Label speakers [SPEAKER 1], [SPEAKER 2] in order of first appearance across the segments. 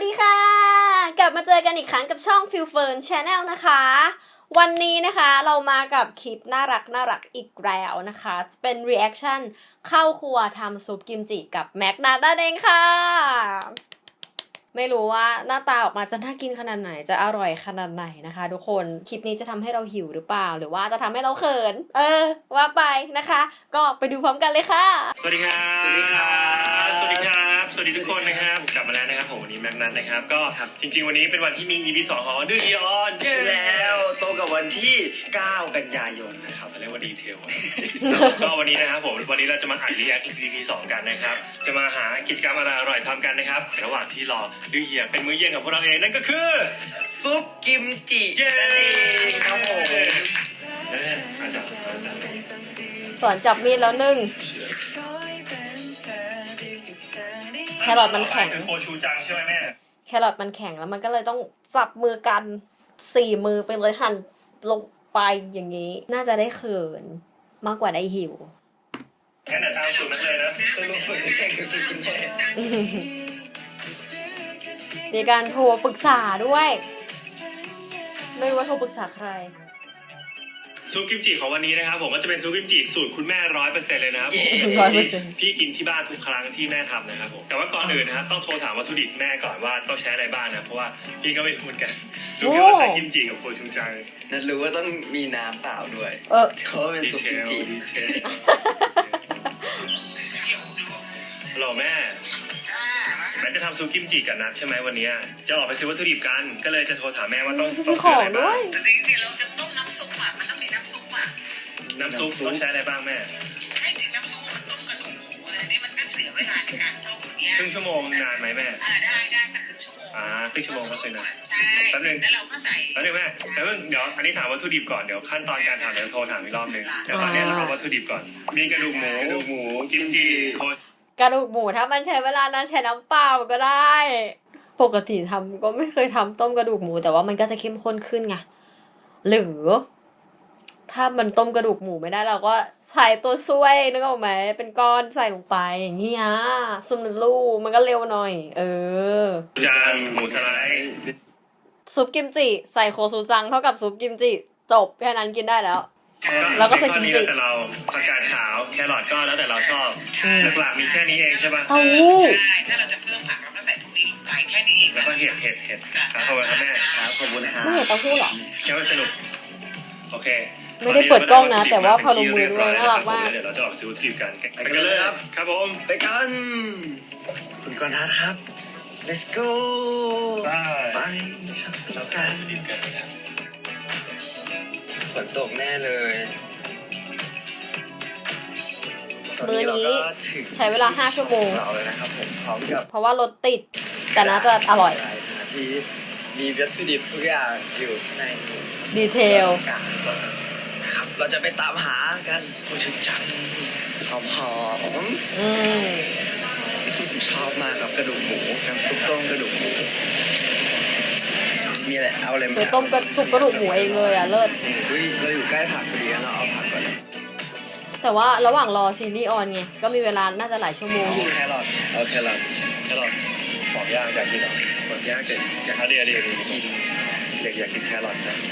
[SPEAKER 1] ดีค่ะกลับมาเจอกันอีกครั้งกับช่อง Feel Fern Channel นะคะวันนี้นะคะเรามากับคลิปน่ารักอีกแล้วนะคะเป็น reaction เข้าครัวทำซุปกิมจิกับแม็กนัทนั่นเองค่ะไม่รู้ว่าหน้าตาออกมาจะน่ากินขนาดไหนจะอร่อยขนาดไหนนะคะทุกคนคลิปนี้จะทำให้เราหิวหรือเปล่าหรือว่าจะทำให้เราเขินว่าไปนะคะก็ไปดูพร้อมกันเลยค่ะ
[SPEAKER 2] สวัสดีครับสวัสดีครับสวัสดีครับสวัสดีทุกคนนะครับกลับมาแล้วนะครับผมวันนี้แม็กนัทนะครับก็จริงๆวันนี้เป็นวันที่มี EP 2ของดื้อฮีออน
[SPEAKER 3] ใช่แล้วตรงกับวันที่9กันยายนนะครับ
[SPEAKER 2] เรียกว่าดีเทลก็วันนี้นะครับผมวันนี้เราจะมาอ่านรีแอค EP 2กันนะครับจะมาหากิจกรรมอะไรอร่อยทำกันนะครับระหว่างที่รอดื้อเฮียเป็นมื้อเย็นของพวกเราเองนั่นก็คือ
[SPEAKER 3] ซุปกิมจินั่นเองครับผม
[SPEAKER 2] อาจารย์
[SPEAKER 1] สอนจับมีดแล้วนึ่งแครอทมันแข็ง
[SPEAKER 2] โคชูจังใช่ไหมแม่
[SPEAKER 1] แครอทมันแข็งแล้วมันก็เลยต้องจับมือกัน4 มือไปเลยหั่นลงไปอย่างนี้น่าจะได้เขินมากกว่าได้หิว
[SPEAKER 2] งั้นเดี๋ยวตามสูตรนักเลยนะ
[SPEAKER 3] สรุปสูตรที่แข่งคือสูตรคุณแม่
[SPEAKER 1] มีการโทรปรึกษาด้วยไม่รู้ว่าโทรปรึกษาใคร
[SPEAKER 2] ซุปกิมจิของวันนี้นะครับผมก็จะเป็นซุปกิมจิสูตรคุณแม่100%เลยนะครับพี่กินที่บ้านทุกครั้งที่แม่ทำนะครับผมแต่ว่าก่อนอื่นนะครับต้องโทรถามวัตถุดิบแม่ก่อนว่าต้องใช้อะไรบ้างนะเพราะว่าพี่ก็ไม่รู้เหมือนกันรู้แค่ว่าใช้กิมจิกับโคชูจัง
[SPEAKER 3] นั่นรู้ว่าต้องมีน้ำเปล่าด้วยเพราะเป็นซุปกิมจิ
[SPEAKER 2] ฮัลโหลแม่จะทำซุปกิมจิกับนัทใช่ไหมวันนี้จะออกไปซื้อวัตถุดิบกันก็เลยจะโทรถามแม่ว่าต้อง
[SPEAKER 1] ซื้ออะไรบ้าง
[SPEAKER 4] จริงๆเราจะต้มน้ำซุปอ่ะมันต้องมีน้ำซุปอ่ะ
[SPEAKER 2] น้ำซุปต้องใช้อะไรบ้างแม่
[SPEAKER 4] ให้ถึงน้ำซุปมันต้มกระดูกหมูอะไรนี่มันก็เสียเวลาในการต้มเนี่ย
[SPEAKER 2] ครึ่งชั่วโมงนานไหมแม่
[SPEAKER 4] ได้สักครึ่งชั่วโมง
[SPEAKER 2] ครึ่งชั่วโมงก็คือนะ
[SPEAKER 4] ใช่
[SPEAKER 2] แป๊บนึง
[SPEAKER 4] แล้วเราก็ใส่
[SPEAKER 2] แป๊บนึงแม่เดี๋ยวอันนี้ถามวัตถุดิบก่อนเดี๋ยวขั้นตอนการทำเดี๋ยวโทรถามอีกรอบนึงแต่ตอนนี้เราเอาวัตถุดิบก่อนมีกระดูกหมูกิมจิ
[SPEAKER 1] กระดูกหมูถ้ามันใช้เวลานานใช้น้ำเปล่าก็ได้ปกติทำก็ไม่เคยทำต้มกระดูกหมูแต่ว่ามันก็จะเข้มข้นขึ้นไงหรือถ้ามันต้มกระดูกหมูไม่ได้เราก็ใส่ตัวช่วยนึกออกไหมเป็นก้อนใส่ลงไปอย่างเงี้ยซุปน้ำลูกมันก็เร็วหน่อย
[SPEAKER 2] จานหมูสไลด์
[SPEAKER 1] ซุปกิมจิใส่โคซูจังเท่ากับซุปกิมจิจบแค่นั้นกินได้แล้วแล้วก็ใส่กิมจิ
[SPEAKER 2] แต่เราผักกาดขาวแครอทก็แล้วแต่เราชอบหลักๆมีแค่นี้เองใช่ป่ะ
[SPEAKER 1] เต้าหู้
[SPEAKER 4] ถ้าเราจะเพิ่มผักเราก็ใส่พวกนี้ลงไปแค่นี้เอง
[SPEAKER 2] แล้วก็เห็ดขอบคุณครับแม่
[SPEAKER 3] ขอบคุณครับ
[SPEAKER 1] ไม่เห็นเต้าหู้หรอ
[SPEAKER 2] แค่ว่าสนุกโอเค
[SPEAKER 1] ไม่ได้เปิดกล้องนะแต่ว่าพอลงมือด้วยน่ารักมาก
[SPEAKER 2] เดี๋ยวเราจะออกซื้อวัตถุดิบกันไปกันเลยครับผม
[SPEAKER 3] ไปกันคุณกรณ์ทัศน์ครับ let's go ไปช็อปปิ้งกันฝนตกแน่เลย
[SPEAKER 1] มื้อนี้ใช้เวลา5 ชั่วโมง
[SPEAKER 3] เราเลยนะครับผมพร้อมกับ
[SPEAKER 1] เพราะว่ารถติดแต่น่าจะอร่อย
[SPEAKER 3] ที่มีวัตถุดิบทุกอย่างอยู่ใน
[SPEAKER 1] ดีเทล
[SPEAKER 3] นะครับเราจะไปตามหากันโคชูจังหอมชอบมากครับกระดูกหมูน้ำซุปต้มกระดูกหมูมีอะไรเอาอะไรมา
[SPEAKER 1] ต้มซุปกระดูกหมูเองเลยเลิศ
[SPEAKER 3] เราอยู่ใกล้ผักพอดีเราเอาผักก่อน
[SPEAKER 1] แต่ว่าระหว่างรอซีรีส์ออนไงก็มีเวลาน่าจะหลายชั่วโมงอยู่
[SPEAKER 3] แครอท
[SPEAKER 2] บอกย่างอยากกินเหรอ
[SPEAKER 3] บอกย่างเด็ก
[SPEAKER 2] อยากกินเด็กอยากกินแครอทนะ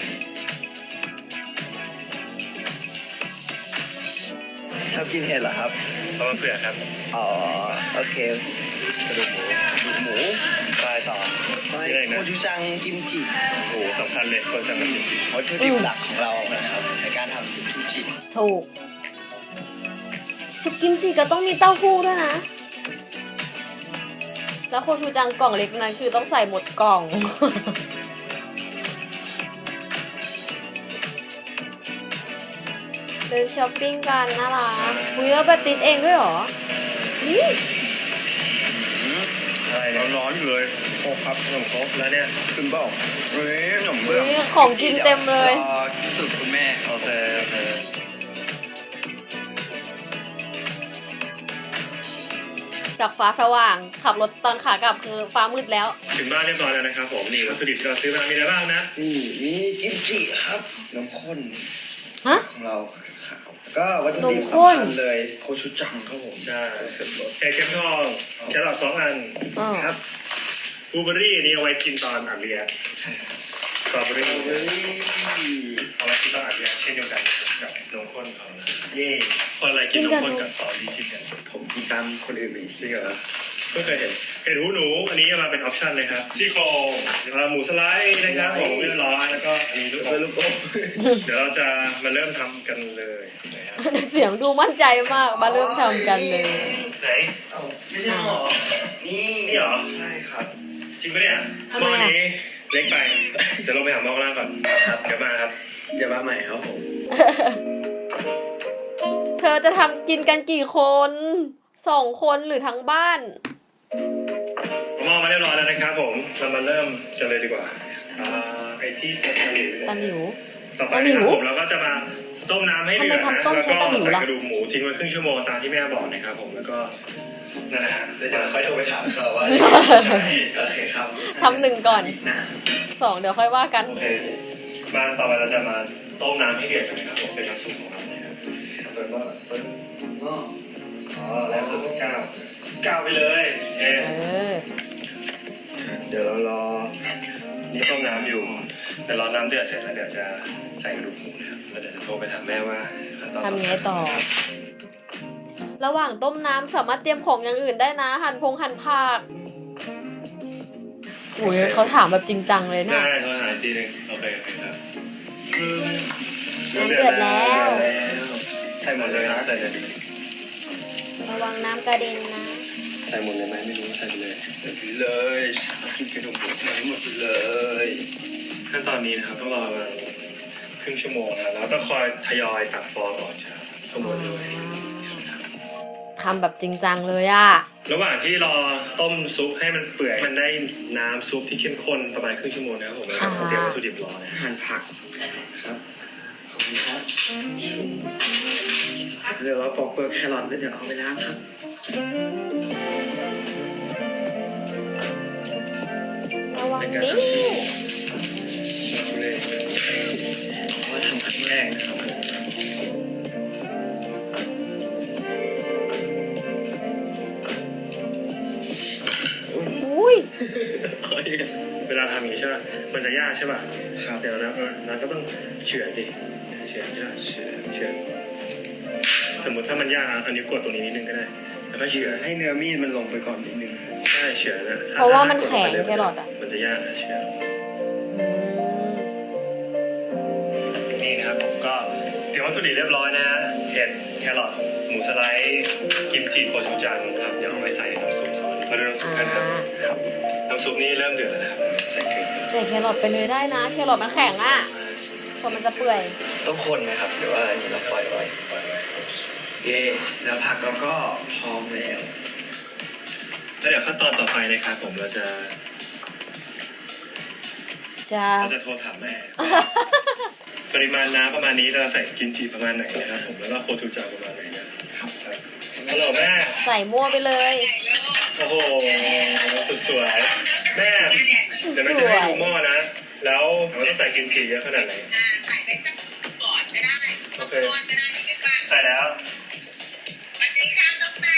[SPEAKER 3] ชอบกินเห็ดเหรอครับ
[SPEAKER 2] เพราะว่าเผื่อครับ
[SPEAKER 3] อ๋อโอเค
[SPEAKER 2] กระดูกหมูปลายต่อ
[SPEAKER 3] โคชูจังกิมจิ
[SPEAKER 2] โอ้สำคัญเลยโคชูจังกับกิมจิ
[SPEAKER 3] วัตถุดิบหลักของเรานะครับในการทำซุปกิมจิ
[SPEAKER 1] ถูกซุปกิมจิก็ต้องมีเต้าหู้ด้วยนะแล้วโคชูจังกล่องเล็กนั้นคือต้องใส่หมดกล่องเดินช้อปปิ้งกันน่ารักคุยแล้วไปติดเองด้วยหรอนี่
[SPEAKER 3] ร้อนอยู่เลยโคกครับขนมครกแล้วเนี่ยคุณบอกขนมเบื้อง
[SPEAKER 1] ของกินเต็มเลย
[SPEAKER 3] สุดคุณแม่
[SPEAKER 2] โอเค
[SPEAKER 1] จากฟ้าสว่างขับรถตอนขากลับคือฟ้ามืดแล้ว
[SPEAKER 2] ถึงบ้านเรียบร้อยแล้วนะครับผมนี่วัตถุดิบที่เราซื้อมามีอะไรบ้างนะ
[SPEAKER 3] มีกิมจิครับน้ำข้นของเราก็วัตถุดิบสำคัญเลยโคชูจังครับผม
[SPEAKER 2] ใช่เห็ดเข็มทองแครอท2 อัน
[SPEAKER 3] ครับ
[SPEAKER 2] บลูเบอร์รี่นี่เอาไว้กินตอนอัดเรียน
[SPEAKER 3] ใช่ครับ
[SPEAKER 2] สตรอเบอร์รี่
[SPEAKER 3] เฮ้ย
[SPEAKER 2] เอาไว้กินตอนอัดเรียนเช่นเดียวกันกับนมข้นเขานะ
[SPEAKER 3] เย่
[SPEAKER 2] คนอะไรกินนมข้นกับสตรอเบอร์รี่ชิคกัน
[SPEAKER 3] ผมกินตามคนอื่นไป
[SPEAKER 2] จริงเหรอเพิ่งเคยเห็นหูหนูอันนี้มาเป็นออปชั่นเลยครับซี่โครงหมูสไลด์นะครับผมเรียบร้อยแล้วก็อันนี้ลูกอ
[SPEAKER 3] เพื่อ
[SPEAKER 2] ม
[SPEAKER 3] ลูกอม
[SPEAKER 2] เดี๋ยวเราจะมาเริ่มทำกันเลยนะครับ
[SPEAKER 1] เสียงดูมั่นใจมากมาเริ่มทำกันเลย
[SPEAKER 2] ไหน
[SPEAKER 3] เอ้าไม่ใช่หรอนี่
[SPEAKER 2] นี่เหรอ
[SPEAKER 3] ใช่ครับ
[SPEAKER 2] จริงปะเนี่ยหม้อนี้เล็กไปเดี๋ยวลงไปหาหม้อข้างล่างก่อนครับเดี๋ยวมาครับ
[SPEAKER 3] เดี๋ยวมาใหม่ครับผม
[SPEAKER 1] เธอจะทำกินกันกี่คน2 คนหรือทั้งบ้าน
[SPEAKER 2] หม้อมาเรียบร้อยแล้วนะครับผมเรามาเริ่มกันเลยดีกว่าไอ้ที่ตะหลิว
[SPEAKER 1] ตะหลิว
[SPEAKER 2] ต่อไปนะครับผมเราก็จะมาต้มน้ำให้เดือดนะ
[SPEAKER 1] ทำไมทำต้ม
[SPEAKER 2] แล้ว
[SPEAKER 1] ใช้
[SPEAKER 2] ก็
[SPEAKER 1] ตะหลิว
[SPEAKER 2] ใส่
[SPEAKER 1] ล่ะ
[SPEAKER 2] กระดูกหมูทิ้งไว้ครึ่งชั่วโมงตามที่แม่บอกนะครับผมแล้วก็นั่นแหละฮะ
[SPEAKER 3] เดี๋ยวจะค่อยโทรไปถามเขาว่าโอเคครับ
[SPEAKER 1] ทำ1ก่อน
[SPEAKER 3] นะ
[SPEAKER 1] 2เดี๋ยวค่อยว่ากัน
[SPEAKER 2] โอเคมาต่อไปเราจะมาต้มน้ำให้เดือดกันนะครับผมเป็นน้ำซุปของเรานะครับเปิดว่าเปิด
[SPEAKER 3] ก็
[SPEAKER 2] อ๋อแล้วสุดก้าวไปเลยเอ
[SPEAKER 1] เออ
[SPEAKER 3] เดี๋ยวเรารอ
[SPEAKER 2] นี่ต้มน้ำอยู่เดี๋ยวรอน้ำเดือดเสร็จแล้วเดี๋ยวจะใส่กระดูกหมูนะครับแล้วเดี๋ยวจะโทรไปถามแม่ว่าขั้นตอน
[SPEAKER 1] ทำไงต่อ ระหว่างต้มน้ำสามารถเตรียมของอย่างอื่นได้นะ หั่นผักอุ้ยเขาถามแบบจริงจังเลยเนี่ย
[SPEAKER 2] ได้โทรหาอีกทีหนึงโอเคครับ
[SPEAKER 1] น้ำเดือดแล้ว
[SPEAKER 3] ใส่หมดเลยนะ
[SPEAKER 2] ใส่เลย
[SPEAKER 1] ระวังน้ำกระเด็นนะ
[SPEAKER 2] ใส่หมดเลยไหมไม่รู้ใส่ไปเลย
[SPEAKER 3] ใส่ไปเลยกินกระดูกหมูใส่ให้หมดไปเลย
[SPEAKER 2] ขั้นตอนนี้นะครับต้องรอประมาณครึ่งชั่วโมงนะครับแล้วต้องคอยทยอยตักฟองออกจากทั้งหมดเลย
[SPEAKER 1] ทำแบบจริงจังเลยอะ
[SPEAKER 2] ระหว่างที่รอต้มซุปให้มันเปื่อยมันได้น้ำซุปที่เข้มข้นประมาณครึ่งชั่วโมงนะครับผมแล้วก็เตรียมวัตถุดิบรอนะ
[SPEAKER 3] หั่นผักครับขอบคุณครับเดี๋ยวเราปอกเปลือกแครอทแล้วเดี๋ยวเอาไปล้างครับ
[SPEAKER 1] ระวัง
[SPEAKER 2] เป็นการ
[SPEAKER 1] นี่
[SPEAKER 2] ทำที่เลย
[SPEAKER 3] ว่าทำครั้งแรกนะครับผม
[SPEAKER 1] อุ้ย
[SPEAKER 2] เวลาทำอย่างนี้ใช่ป่ะมันจะยากใช่ป่ะ
[SPEAKER 3] ครับ
[SPEAKER 2] เดี๋ยวนะเราก็ต้องเฉือนดิเฉือนใช่ป่ะเฉือนสมมติถ้ามันยากอันนี้กดตรงนี้นิดนึงก็ได้แล้วก็เฉือน
[SPEAKER 3] ให้เนื้อมีดมันลงไปก่อนนิดนึง
[SPEAKER 2] ใช่เฉือนนะ
[SPEAKER 1] เพราะว่ามันแข็งแครอทอะ
[SPEAKER 2] มันจะยากนะเฉือน
[SPEAKER 1] อืม
[SPEAKER 2] นี่นะครับผมก็เตรียมวัตถุดิบเรียบร้อยนะฮะเห็ดแครอทหมูสไลด์กิมจิโคชูจังครับเดี๋ยวเอาไว้ใส่น้ำซุปซอสมาดูน้ำซุปกันครับ
[SPEAKER 3] ครับ
[SPEAKER 2] น้ำซุปนี่เริ่มเดือดแล้วนะครับใส่เกลือ
[SPEAKER 1] ใส่แครอทไปเลยได้นะ แครอทมันแข็งอะพอมันจะเปื่อย
[SPEAKER 3] ต้องคนไหมครับหรือว่าอันนี้เราปล่อยไว้เย่แล้วผักเราก็พร้อมแล้ว
[SPEAKER 2] แล้วเดี๋ยวขั้นตอนต่อไปนะครับผมเราจะ
[SPEAKER 1] จะ
[SPEAKER 2] โทรถามแม่ ปริมาณน้ำประมาณนี้เราใส่กิมจิประมาณไหนนะครับผมแล้วก็โคชูจังประมาณไหนนะครับฮัลโหลแม่
[SPEAKER 1] ใส่มั่วไปเลย
[SPEAKER 2] โอ้โหสุดสวยแม่เดี๋ยวแม่จะให้ดูหม้อนะ แล้วเราต้องใส่กิมจิเยอะขนาดไหน
[SPEAKER 4] ใส่ไปสักก่อนก็ได้
[SPEAKER 2] โอเค
[SPEAKER 4] ก่อนก็ได้เดี๋ยวฟัง
[SPEAKER 2] ใส่แล้ว
[SPEAKER 4] สวัสดีครับน้องแม่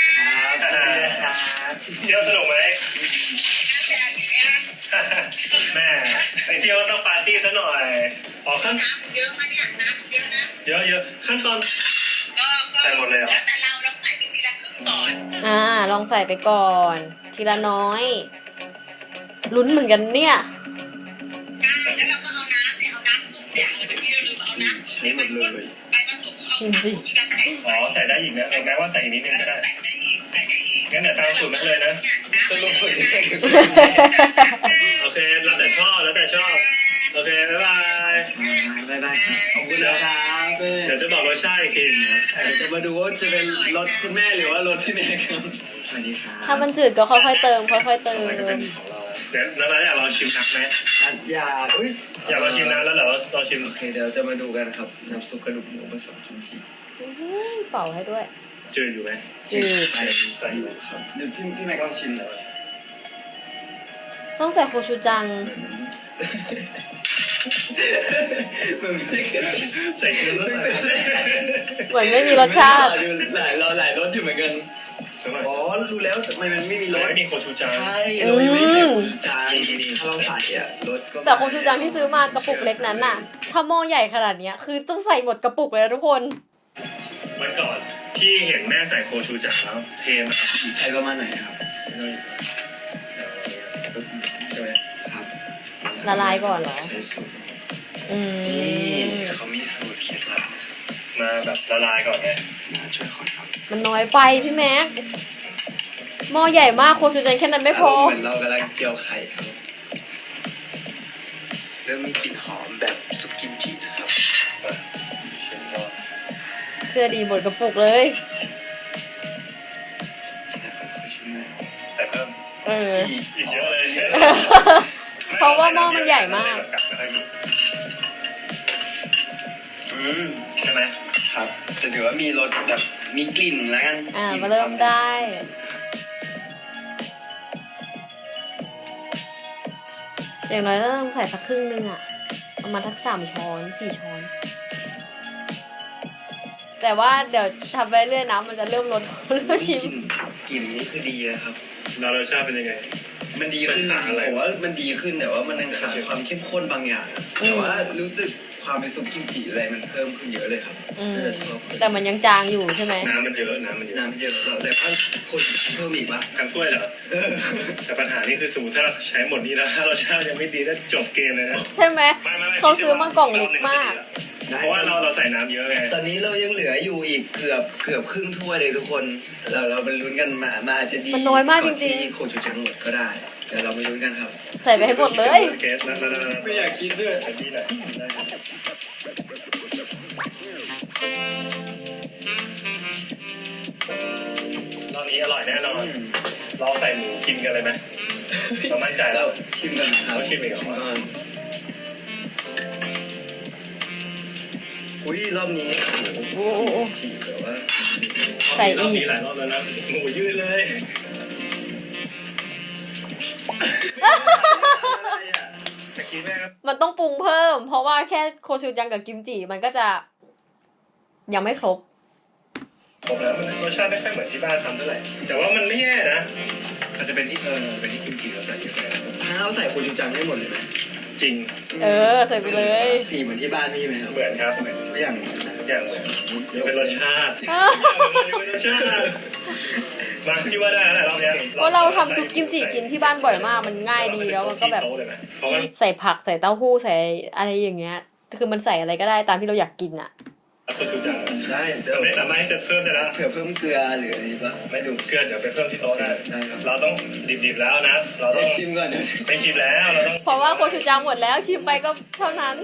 [SPEAKER 2] เที่ยวสนุกไหม
[SPEAKER 4] น่าจะอย่างเงี้ย
[SPEAKER 2] แม่ไปเที่ยวต้องปาร์ตี้ซะหน่อยอ๋อขั้น
[SPEAKER 4] น้ำเยอะมาเนี่ยน้ำเยอะนะ
[SPEAKER 2] เยอะขั้นตอน
[SPEAKER 4] ก็
[SPEAKER 2] ใส่หมดเลยเหรอ
[SPEAKER 4] แล้วแต่เราใส่ไปทีละครึ่งก่อน
[SPEAKER 1] ลองใส่ไปก่อน ทีละน้อย ลุ้นเหมือนกันเนี่ย
[SPEAKER 4] ใช่แล้วเราก็เอาน้ำเนี่ยเอาน้ำซุปเนี่ยเดี๋ยวนี้เราลืมเอาน้ำซุปเนี่ยไปผสมเอา
[SPEAKER 1] ชิมสิ
[SPEAKER 4] กันใส่
[SPEAKER 2] อ๋อใส่ได้อีกนะแม้ว่าใส่อีกนิดนึงก็ได้
[SPEAKER 4] ใส่ได้อีกใส่ได้อีก
[SPEAKER 2] งั้นเดี๋ยวตามสูตรนั้นเลยนะ
[SPEAKER 3] สรุปสุดยังไง
[SPEAKER 2] โอเคแล้วแต่ชอบโอเคบ๊ายบาย
[SPEAKER 3] บ๊ายบายครับขอบคุณนะครับ
[SPEAKER 2] เดี๋ยวจะบอกรสชาติอีกทีนะครับ
[SPEAKER 3] เดี๋ยวจะมาดูว่าจะเป็นรถคุณแม่หรือว่ารถพี่แม่ครับสวัสดีครับ
[SPEAKER 1] ถ้ามันจืดก็ค่อยๆเติม ค่อยๆเติม
[SPEAKER 2] อะไรก็เป็นของเราเดี๋ยวแล้วเราอยากลองชิมนักไหม
[SPEAKER 3] อย่าอุ้ย
[SPEAKER 2] อยากลองชิมนะแล้วเดี๋ยวเราชิม
[SPEAKER 3] โอเคเดี๋ยวจะมาดูกันครับน้ำซุปกระดูกหมูผสมกิมจิ
[SPEAKER 1] เป่าให้ด้วย
[SPEAKER 2] จืดอยู่ไหม
[SPEAKER 1] จืด
[SPEAKER 2] ใส่อยู่
[SPEAKER 3] ครับเดี๋ยวพี่แม่ก็ลองชิมหน่อย
[SPEAKER 1] ต้องใส่โคชูจัง
[SPEAKER 3] เหมือนไม่ได้
[SPEAKER 2] ใส่เกลือแล้วหน่อย
[SPEAKER 1] เหมือนไม่มีรสชาติ
[SPEAKER 3] หลายรสอยู่เหมือนกัน
[SPEAKER 2] สักหน่อย
[SPEAKER 3] อ๋อรู้แล้วทำไมมันไม่มีร
[SPEAKER 2] เรา
[SPEAKER 3] ส
[SPEAKER 2] ไม่มีโคชูจัง
[SPEAKER 3] ใช่เรายังไม่ได้ใส่หมูจังเนี่ยรถก็
[SPEAKER 1] แต่โคชูจังที่ซื้อมากระปุกเล็กนั้นน่ะ ถ้าหม้อใหญ่ขนาดเนี้ยคือต้องใส่หมดกระปุกเลยนะทุกคน
[SPEAKER 2] วันก่อนพี่เห็นแม่ใส่โคชูจังแล้วเทมาก
[SPEAKER 3] ใช้ประมาณไหนครับ
[SPEAKER 2] ใช่ไหม
[SPEAKER 3] ครับ
[SPEAKER 1] ละลายก่อนเหรอ
[SPEAKER 3] ใช้สูตร
[SPEAKER 1] อื
[SPEAKER 3] นี่
[SPEAKER 1] ม
[SPEAKER 3] เขามีสูตรเคล็ดลับ
[SPEAKER 2] มาแบบละลายก่อนไง
[SPEAKER 3] มาช่วยคนครับ
[SPEAKER 1] มันน้อยไปพี่แม็กหม้อใหญ่มากโคชูจังแค่นั้นไม่พอ
[SPEAKER 3] เหมือนเรากำลังเจียวไข่ครับเริ่มมีกลิ่นหอมแบบซุปกิมจินะครับ
[SPEAKER 2] มาชิมก่อน
[SPEAKER 1] เสื้อดีหมดกระปุกเลย
[SPEAKER 2] ใส่เพิ่ม
[SPEAKER 1] เออ
[SPEAKER 2] อีกเยอะเลย
[SPEAKER 1] เพราะว่าหม้อมันใหญ่มาก
[SPEAKER 2] ใช่ไหม
[SPEAKER 3] ครับแต่ถือว่ามีรสแบบมีกลิ่นแล้วกัน
[SPEAKER 1] อ่าก
[SPEAKER 3] ลิ่น
[SPEAKER 1] มาเริ่มได้ อย่างน้อยต้องใส่สักครึ่งนึงอ่ะ ประมาณทัก3 ช้อน 4 ช้อน แต่ว่าเดี๋ยวทำไปเรื่อยน้ำมันจะเริ่มลด เริ่มชิม
[SPEAKER 3] กลิ่นนี่คือดีนะครับ
[SPEAKER 2] แล้วรสชาติเป็นยังไง
[SPEAKER 3] มันดีขึ้น
[SPEAKER 2] มันขาดอะไร
[SPEAKER 3] ผมว่ามันดีขึ้นแต่ว่ามันยังขาดความเข้มข้นบางอย่างอะแต่ว่ารู้สึกความเป็นซุปกิมจิอะไรมันเพิ่มขึ้นเยอะเลยครับ
[SPEAKER 1] อืม
[SPEAKER 3] น่าจะชอบขึ้น
[SPEAKER 1] แต่มันยังจางอยู่ใช่ไหม
[SPEAKER 2] น้ำมันเยอะน้ำมันเยอะ
[SPEAKER 3] น้ำเยอะแล้วแต่ว่าคนเพิ่มอีกปะ
[SPEAKER 2] ทั้งถ้วยเหรอ แต่ปัญหานี่คือสมมติถ้าเราใช้หมดนี้แล้วถ้ารสชาติยังไม่ดีก็จบเกมเลยนะ
[SPEAKER 1] ใช่ไหม
[SPEAKER 2] ไม่
[SPEAKER 1] เขาซื้อมากล่องเล็กมาก
[SPEAKER 2] เพราะว่าเราใส่น้ำเยอะไง
[SPEAKER 3] ตอนนี้เรายังเหลืออยู่อีกเกือบครึ่งถ้วยเลยทุกคนเราไปลุ้นกันมาอาจจะดี
[SPEAKER 1] มันน้อยมากจริงๆ
[SPEAKER 3] ที่โคจูจังหมดก็ได้เดี๋ยวเราไปลุ้นกันครับ
[SPEAKER 1] ใส่ไปให้หมดเลย
[SPEAKER 2] เกสนั่นไม่อยากกินด้วยอันนี้แหละ
[SPEAKER 3] ได้ครับ
[SPEAKER 2] รอบนี้อร่อยแน่นอน เราใส่หมูกินกันเลยไหมเรามั่นใจแล้ว
[SPEAKER 3] ชิมกันนะครับ
[SPEAKER 2] เราชิมอีกเหรอ
[SPEAKER 3] ก่อนอุ้ยรอบนี้
[SPEAKER 1] โอ้โห
[SPEAKER 3] จีแบบว่า
[SPEAKER 1] ใส่อีก
[SPEAKER 2] รอบนี้หลายรอบแล้วนะหมูยืดเลย ตะกี้แม่ครับ
[SPEAKER 1] มันต้องปรุงเพิ่ม เพราะว่าแค่โคชูจังกับกิมจิมันก็จะยังไม่ครบ
[SPEAKER 2] ผมแล้วมันรสชาติไม่ค่อยเหมือนที่บ้านทำเท่าไหร่ แต่ว่ามันไม่แย่นะอาจจะเป็นที่เป็นที่กิมจิเราใส่เยอะไป
[SPEAKER 3] ถ้าเราใส่โคจูจังให้หมดเลยไหม
[SPEAKER 2] จริง
[SPEAKER 1] เออ ใส่ไปเลย
[SPEAKER 3] สีเหมือนที่บ้านพี่ไหมครับ
[SPEAKER 2] เหมือนครับเหมือน
[SPEAKER 3] ทุกอย่างเหมือนนะ
[SPEAKER 2] ทุกอย่างเหมือนยกเป็นรสชาติยกเป็นรสชาติมาที่ว่าได้แล้วรอบนี้
[SPEAKER 1] เพราะเราทำซุปกิมจิกินที่บ้านบ่อยมาก มันง่ายดีแล้วมันก็แบบ
[SPEAKER 2] เพราะมัน
[SPEAKER 1] ใส่ผักใส่เต้าหู้ใส่อะไรอย่างเงี้ย คือมันใส่อะไรก็ได้ตามที่เราอยากกินอ่ะ
[SPEAKER 2] โคชูจัง
[SPEAKER 3] ได้เดี๋ยว
[SPEAKER 2] เราไม่สามารถที่จะเพิ่มได้แล้ว
[SPEAKER 3] เผื่อเพิ่มเกลือหรืออะไรปะ
[SPEAKER 2] ไม่ดูเกลือเดี๋ยวไปเพิ่มที่โต๊ะได้
[SPEAKER 3] ได้ครับ
[SPEAKER 2] เราต้องดิบๆแล้วนะ เราต้อง
[SPEAKER 3] ชิมก่อนเดี๋ยว
[SPEAKER 2] ไม่ชิมแล้วเราต้อง
[SPEAKER 1] เพราะว่าโคชูจังหมดแล้วชิมไปก็เท่านั้น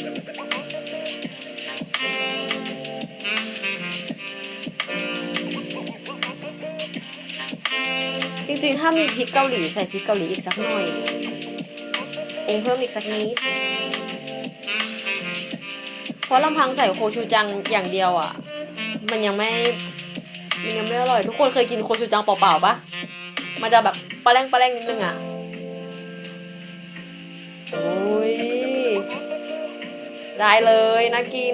[SPEAKER 1] จริงๆ ถ้ามีพริกเกาหลีใส่พริกเกาหลีอีกสักหน่อยปรุงเพิ่มอีกสักนิด เพราะลำพังใส่โคชูจังอย่างเดียวอ่ะ มันยังไม่อร่อย ทุกคนเคยกินโคชูจังเปล่าๆปะมันจะแบบปลาแรงนิดนึงอ่ะ โอ้ย ได้เลยนะกิน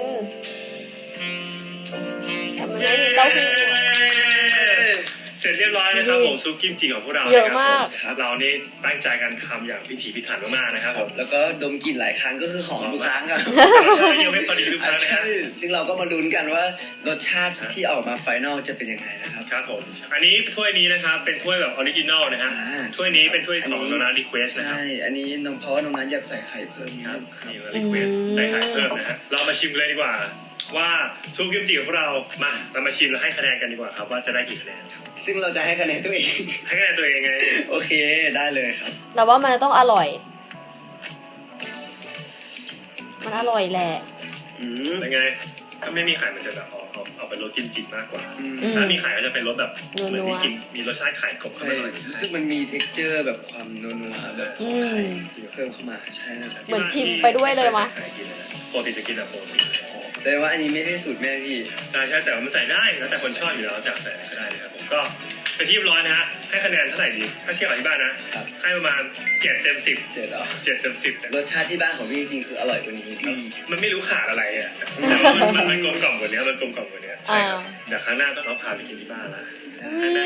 [SPEAKER 1] แต่มันไม่มีเต้าหู้อะ
[SPEAKER 2] เสร็จเรียบร้อยนะครับผมซุปกิมจิของพวกเรา
[SPEAKER 1] เยอะมาก
[SPEAKER 2] นะครับเรานี่ตั้งใจกันทำอย่างพิถีพิถันมากๆนะครับผม
[SPEAKER 3] แล้วก็ดมกลิ่นหลายครั้งก็คือหอมทุกครั้งอะ
[SPEAKER 2] ใช่ยังไม่พอดีทุกครั้งนะค
[SPEAKER 3] ใช่
[SPEAKER 2] รับ
[SPEAKER 3] ซึ่งเราก็มาลุ้นกันว่ารสชาติที่ออกมาไฟนอลจะเป็นยังไงนะครับ
[SPEAKER 2] ครับผมอันนี้ถ้วยนี้นะครับเป็นถ้วยแบบออริจินอลนะฮะ
[SPEAKER 3] อ่า
[SPEAKER 2] ถ้วยนี้เป็นถ้วยของโดนัทรีเควสนะครับ
[SPEAKER 3] ใช่ อันนี้น้องเพราะว่าน้องนั้นอยากใส่ไข่เพิ่มนิด
[SPEAKER 2] ครับ
[SPEAKER 3] นึงครับ
[SPEAKER 2] นี่รีเควสใส่ไข่เพิ่มนะฮะเรามาชิมเลยดีกว่า ว่าซุปกิมจิของพวกเรามาชิมแล้วให้คะแนนกันดีกว่าครับว่าจะได้กี่คะแนนครับ
[SPEAKER 3] ซึ่งเราจะให้คะแนนตัวเอง
[SPEAKER 2] ให้คะแนนตัวเองไง
[SPEAKER 3] โอเคได้เลยครับ
[SPEAKER 1] เราว่ามันต้องอร่อย มันอร่อยแหละ
[SPEAKER 3] อืม
[SPEAKER 2] เป็นไงถ้าไม่มีไข่มันจะแบบเอาเป็นรสกิมจิมากกว่า
[SPEAKER 3] อืม
[SPEAKER 2] ถ้ามีไข่ก็จะเป็นรสแบบ
[SPEAKER 1] นัวๆ
[SPEAKER 2] เหมือนมีรสชาติไข่กลบเข้า
[SPEAKER 3] ใช่
[SPEAKER 2] ไปหน่อย
[SPEAKER 3] รู้สึกมันมี texture แบบความนัวๆแบบของไข่เพิ่มเข้ามาใช่นะครับ
[SPEAKER 1] เหมือนชิมไปด้วยเลยมะ
[SPEAKER 2] ปกติจะกินแบบโปรตีน
[SPEAKER 3] แต่ว่าอันนี้ไม่ได้สูตรแม่พี่
[SPEAKER 2] ใช่แต่ว่ามันใส่ได้แล้วแต่คนชอบอยู่แล้วจะใส่อะไรก็ได้นะครับผมก็เป็นที่เรียบร้อยนะฮะให้คะแนนเท่าไหร่ดีถ้าเทียบกับที่บ้านนะครับ ให้ประมาณ7 เต็ม 10
[SPEAKER 3] เจ็ดเหรอ
[SPEAKER 2] 7 เต็ม 10
[SPEAKER 3] รสชาติที่บ้านของพี่จริงๆคืออร่อยกว่านี้ครับ
[SPEAKER 2] มันไม่รู้ขาดอะไรอ่ะแต่ว่ามันกลมกล่อมกว่านี้มันกลมกล่อมกว่านี้ใช่ครับเดี๋ยวครั้งหน้าต้องเอาพาไปกินที่บ้านละให้แม่ทำให้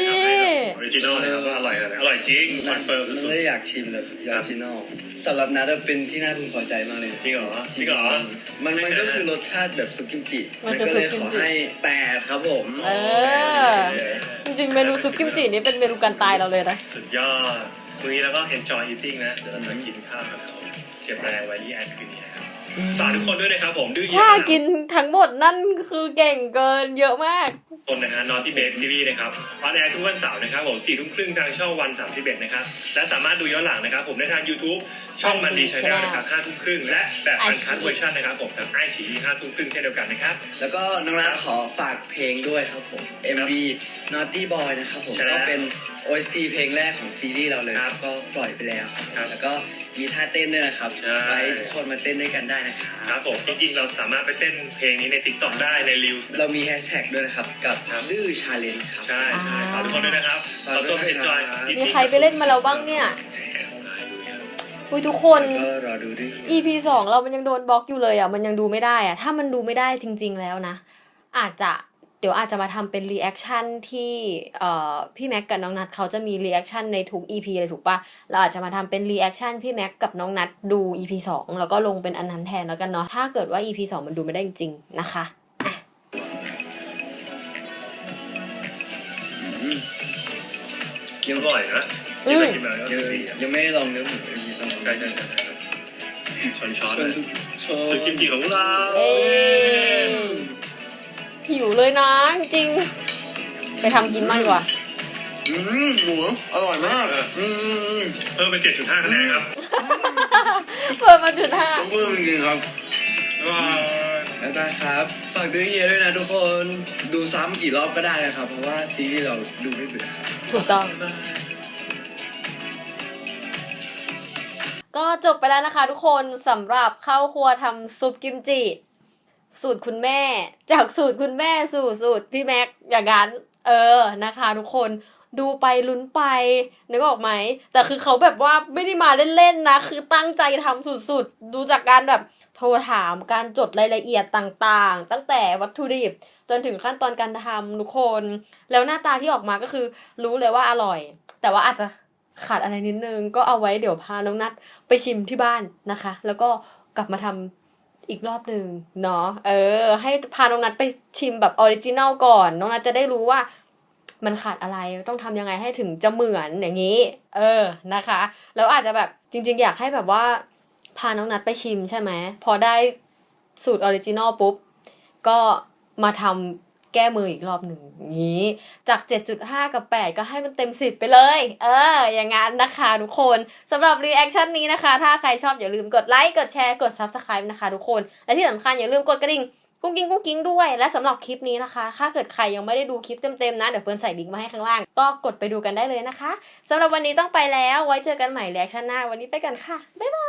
[SPEAKER 2] ออริจินอลนะครับว่าอร่อยอะไรอร่อยจริงคอนเฟิร์มสุ
[SPEAKER 3] ไม่
[SPEAKER 2] ด
[SPEAKER 3] ได้อยากชิมแบบออริจินอลสำหรับนัทเป็นที่น่าพึงพอใจมากเลย
[SPEAKER 2] ๆจริงเหรอจริงเหรอ
[SPEAKER 3] มันก็คือรสชาติแบบซุปกิมจิ
[SPEAKER 1] มันคือ
[SPEAKER 3] ก็เลย
[SPEAKER 1] ซุปกิ
[SPEAKER 3] ข
[SPEAKER 1] ม
[SPEAKER 3] อ
[SPEAKER 1] จิ
[SPEAKER 3] ให้8ครับผม
[SPEAKER 1] เออ จริงๆเมนูซุปกิมจินี่เป็นเมนูการตายเราเลยนะ
[SPEAKER 2] สุดยอดวันนี้เราก็ enjoy eating นะเดี๋ยวเราจะกินข้าวกับเขาเก็บแรงไว้ที่แอดคืนนี้นะครับฝากทุกคนด้วยนะครับผมดื้อเย
[SPEAKER 1] ถ้า
[SPEAKER 2] อะ
[SPEAKER 1] กินทั้งหมดนั่นคือเก่งเกินเยอะมาก
[SPEAKER 2] คนนะฮะ Naughty Babe Series นะครับออนแอร์ทุกวันเสาร์นะครับผม 4 ทุ่มครึ่งทางช่องวัน 31 นะครับและสามารถดูย้อนหลังนะครับผมได้ทาง YouTube ช่องมันดีชาแนลนะครับ 5 ทุ่มครึ่งและแบบอันคัทเวอร์ชันนะครับผมทางไอชี5 ทุ่มครึ่งเช่นเดียวกันนะครับ
[SPEAKER 3] แล้วก็น้องนัทขอฝากเพลงด้วยครับผม MV Naughty Boy นะครับผม
[SPEAKER 2] ใช่แล้ว
[SPEAKER 3] ก็เป็น OST เพลงแรกของซีรีส์เราเลย
[SPEAKER 2] ครับ
[SPEAKER 3] ก็ปล่อยไปแล้วครับ
[SPEAKER 2] ครับ
[SPEAKER 3] แล้วก็มีท่าเต้นด้วยนะครับ
[SPEAKER 2] ใช่
[SPEAKER 3] ไว้ทุกคนมาเต้นด้วยกันได้นะครับ
[SPEAKER 2] ครับผมจริงๆเราสามารถไปเต้นเพลงนี้ใน TikTok ได้ใน Reels
[SPEAKER 3] เรามีแฮชแท็กด้วยนะครับกับ
[SPEAKER 2] ครับ
[SPEAKER 3] ดื้อชาเลนจ์ครับ
[SPEAKER 2] ใช่ใช่ฝากทุกคนด้วยนะครับขอตัวไป enjoy
[SPEAKER 1] มีใครไปเล่นมาแล้วบ้างเนี่ย อุ้ยทุกคน
[SPEAKER 3] ก็รอดูด้วย
[SPEAKER 1] EP 2เรามันยังโดนบล็อกอยู่เลยอ่ะมันยังดูไม่ได้อ่ะถ้ามันดูไม่ได้จริงๆแล้วนะเดี๋ยวอาจจะมาทำเป็นรีแอคชั่นที่พี่แม็กกับน้องนัทเขาจะมีรีแอคชั่นในทุก EP เลยถูกปะเราอาจจะมาทำเป็นรีแอคชั่นพี่แม็กกับน้องนัทดู EP 2แล้วก็ลงเป็นอันนั้นแทนแล้วกันเนาะถ้าเกิดว่า EP 2มันดูไม่ได้จริงๆนะคะ
[SPEAKER 2] ยังอร่อยนะ
[SPEAKER 1] อืม
[SPEAKER 2] กินไปแล้ว
[SPEAKER 3] ยัง
[SPEAKER 2] สี
[SPEAKER 3] ยังไม่ได้ลองเนื้อหมูเลยมีต้อง
[SPEAKER 2] ใช่ใช่ใช่ช้อน
[SPEAKER 3] ชวน
[SPEAKER 2] ๆ
[SPEAKER 3] ทุกช
[SPEAKER 2] สุดกิมจิของเรา
[SPEAKER 1] เอ้ยหิวเลยนะจริงๆไปทำกินมากกว่า
[SPEAKER 3] หมูอร่อยมาก
[SPEAKER 2] เพิ่มเป็น 7.5 คะแนนครับ
[SPEAKER 1] เปิดมาจุดห้า
[SPEAKER 3] ต้องเพิ่มจริงๆครับ
[SPEAKER 2] ว้าว
[SPEAKER 3] บ๊ายบายครับฝากดื้อเฮียด้วยนะทุกคนดูซ้ำกี่รอบก็ได้นะครับเพราะว่าซีรีส์เราดูไม่เบื่อครับ
[SPEAKER 1] ถูกต้อง ก็จบไปแล้วนะคะทุกคนสำหรับเข้าครัวทำซุปกิมจิ สูตรคุณแม่จากสูตรคุณแม่สู่สูตรพี่แม็กอย่างนั้นนะคะทุกคนดูไปลุ้นไปนึกออกไหมแต่คือเขาแบบว่าไม่ได้มาเล่นๆนะคือตั้งใจทำสุดๆดูจากการแบบโทรถามการจดรายละเอียดต่างๆตั้งแต่วัตถุดิบจนถึงขั้นตอนการทำทุกคนแล้วหน้าตาที่ออกมาก็คือรู้เลยว่าอร่อยแต่ว่าอาจจะขาดอะไรนิดนึงก็เอาไว้เดี๋ยวพาน้องนัทไปชิมที่บ้านนะคะแล้วก็กลับมาทำอีกรอบหนึ่งเนาะให้พาน้องนัทไปชิมแบบออริจินัลก่อนน้องนัทจะได้รู้ว่ามันขาดอะไรต้องทำยังไงให้ถึงจะเหมือนอย่างนี้นะคะแล้วอาจจะแบบจริงๆอยากให้แบบว่าพาน้องนัทไปชิมใช่ไหมพอได้สูตรออริจินัลปุ๊บก็มาทำแก้มืออีกรอบหนึ่งอย่างนี้จาก 7.5 กับ 8 ก็ให้มันเต็ม 10 ไปเลยอย่างงั้นนะคะทุกคนสำหรับรีแอคชั่นนี้นะคะถ้าใครชอบอย่าลืมกดไลค์กดแชร์กด Subscribe นะคะทุกคนและที่สำคัญอย่าลืมกดกระดิ่งกุ้งกิ้งด้วยและสำหรับคลิปนี้นะคะถ้าเกิดใครยังไม่ได้ดูคลิปเต็มๆนะเดี๋ยวเฟิร์นใส่ลิงก์มาให้ข้างล่างก็กดไปดูกันได้เลยนะคะสำหรับวันนี้ต้องไปแล้วไว้เจอกันใหม่รีแอคชั่นหน้าวันนี้ไปกันค่ะบ๊ายบาย